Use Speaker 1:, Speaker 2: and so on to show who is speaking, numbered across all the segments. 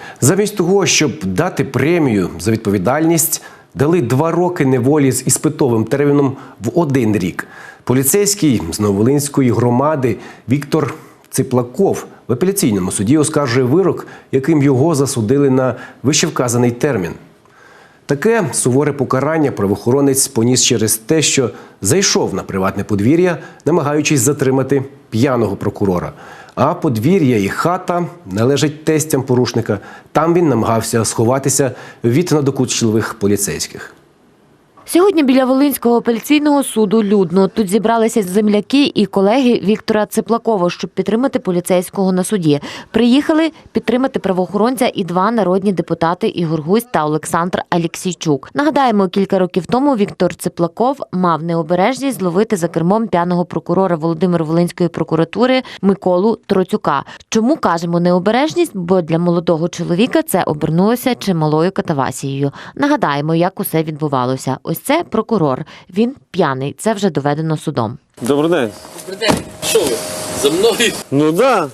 Speaker 1: Замість того, щоб дати премію за відповідальність, дали 2 роки неволі з іспитовим терміном в 1 рік. Поліцейський з Нововолинської громади Віктор Циплаков в апеляційному суді оскаржує вирок, яким його засудили на вищевказаний термін. Таке суворе покарання правоохоронець поніс через те, що зайшов на приватне подвір'я, намагаючись затримати п'яного прокурора. А подвір'я і хата належать тестям порушника. Там він намагався сховатися від надокучливих поліцейських.
Speaker 2: Сьогодні біля Волинського апеляційного суду людно. Тут зібралися земляки і колеги Віктора Циплакова, щоб підтримати поліцейського на суді. Приїхали підтримати правоохоронця і 2 народні депутати Ігор Гузь та Олександр Алєксійчук. Нагадаємо, кілька років тому Віктор Циплаков мав необережність зловити за кермом п'яного прокурора Володимир-Волинської прокуратури Миколу Троцюка. Чому кажемо необережність? Бо для молодого чоловіка це обернулося чималою катавасією. Нагадаємо, як усе відбувалося. Ось це прокурор. Він п'яний. Це вже доведено судом.
Speaker 3: Добрий день.
Speaker 4: Добрий день. Що ви? За мною?
Speaker 3: Ну да.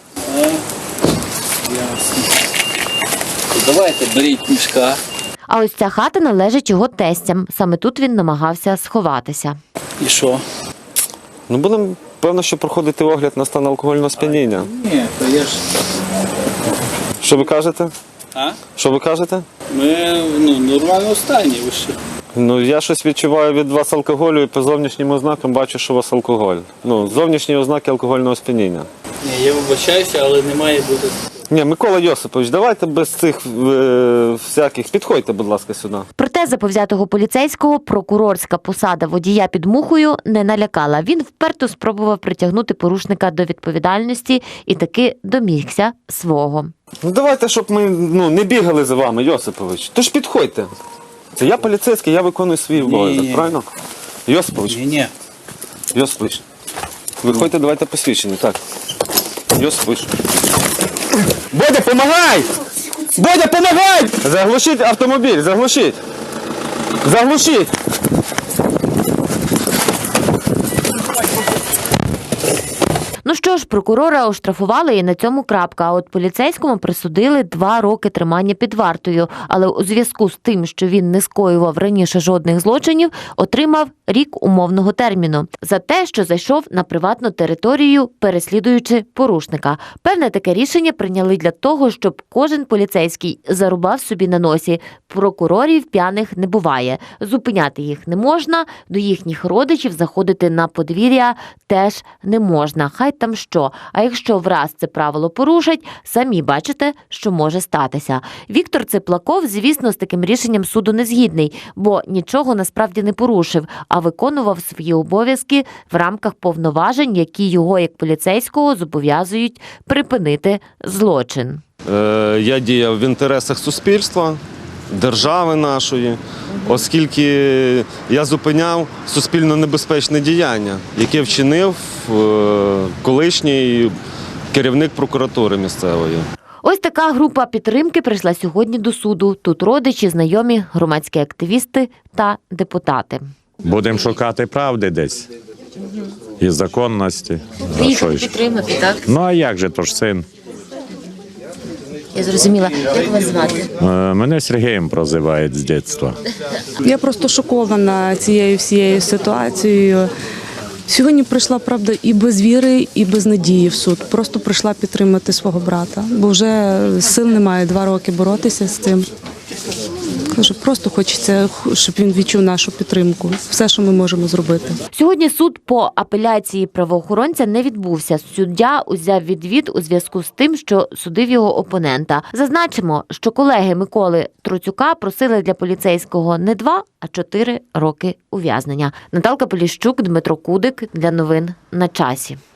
Speaker 4: Ясно. Давайте, беріть мішка.
Speaker 2: А ось ця хата належить його тестям. Саме тут він намагався сховатися.
Speaker 4: І що?
Speaker 3: Ну будемо, певно, що проходити огляд на стан алкогольного сп'яніння.
Speaker 4: Ні, то я ж...
Speaker 3: Що ви кажете?
Speaker 4: А?
Speaker 3: Що ви кажете?
Speaker 4: Ми, нормально стані, ви що?
Speaker 3: Ну, я щось відчуваю від вас алкоголю і по зовнішнім ознакам бачу, що у вас алкоголь. Ну, зовнішні ознаки алкогольного сп'яніння.
Speaker 4: Ні, я вибачаюся, але не має бути...
Speaker 3: Ні, Микола Йосипович, давайте без цих всяких. Підходьте, будь ласка, сюди.
Speaker 2: Проте заповзятого поліцейського прокурорська посада водія під мухою не налякала. Він вперто спробував притягнути порушника до відповідальності і таки домігся свого.
Speaker 3: Ну, давайте, щоб ми не бігали за вами, Йосипович. Тож підходьте. Це я поліцейський, я виконую свій обов'язок, правильно? Йосипович.
Speaker 4: Ні.
Speaker 3: Йосипович. Виходьте, давайте посвідчення, так. Йосипович. Бодя, помагай! Бодя, помагай! Заглушіть автомобіль, заглушіть! Заглушіть!
Speaker 2: Ну що ж, прокурора оштрафували і на цьому крапка. А от поліцейському присудили 2 роки тримання під вартою. Але у зв'язку з тим, що він не скоював раніше жодних злочинів, отримав рік умовного терміну. За те, що зайшов на приватну територію, переслідуючи порушника. Певне таке рішення прийняли для того, щоб кожен поліцейський зарубав собі на носі. Прокурорів п'яних не буває. Зупиняти їх не можна, до їхніх родичів заходити на подвір'я теж не можна. Хай там що. А якщо враз це правило порушать, самі бачите, що може статися. Віктор Циплаков, звісно, з таким рішенням суду не згідний, бо нічого насправді не порушив, а виконував свої обов'язки в рамках повноважень, які його, як поліцейського, зобов'язують припинити злочин.
Speaker 3: Я діяв в інтересах суспільства, держави нашої, оскільки я зупиняв суспільно небезпечне діяння, яке вчинив колишній керівник прокуратури місцевої.
Speaker 2: Ось така група підтримки прийшла сьогодні до суду. Тут родичі, знайомі, громадські активісти та депутати.
Speaker 5: Будемо шукати правди десь і законності.
Speaker 2: Приїхали підтримати, так?
Speaker 5: Ну а як же, то ж син?
Speaker 2: Я зрозуміла. Як вас звати?
Speaker 5: Мене Сергієм прозивають з дитинства.
Speaker 6: Я просто шокована цією всією ситуацією. Сьогодні прийшла, правда, і без віри, і без надії в суд. Просто прийшла підтримати свого брата, бо вже сил немає 2 роки боротися з цим. Кажу, просто хочеться, щоб він відчув нашу підтримку. Все, що ми можемо зробити.
Speaker 2: Сьогодні суд по апеляції правоохоронця не відбувся. Суддя узяв відвід у зв'язку з тим, що судив його опонента. Зазначимо, що колеги Миколи Троцюка просили для поліцейського не 2, а 4 роки ув'язнення. Наталка Поліщук, Дмитро Кудик. Для новин на часі.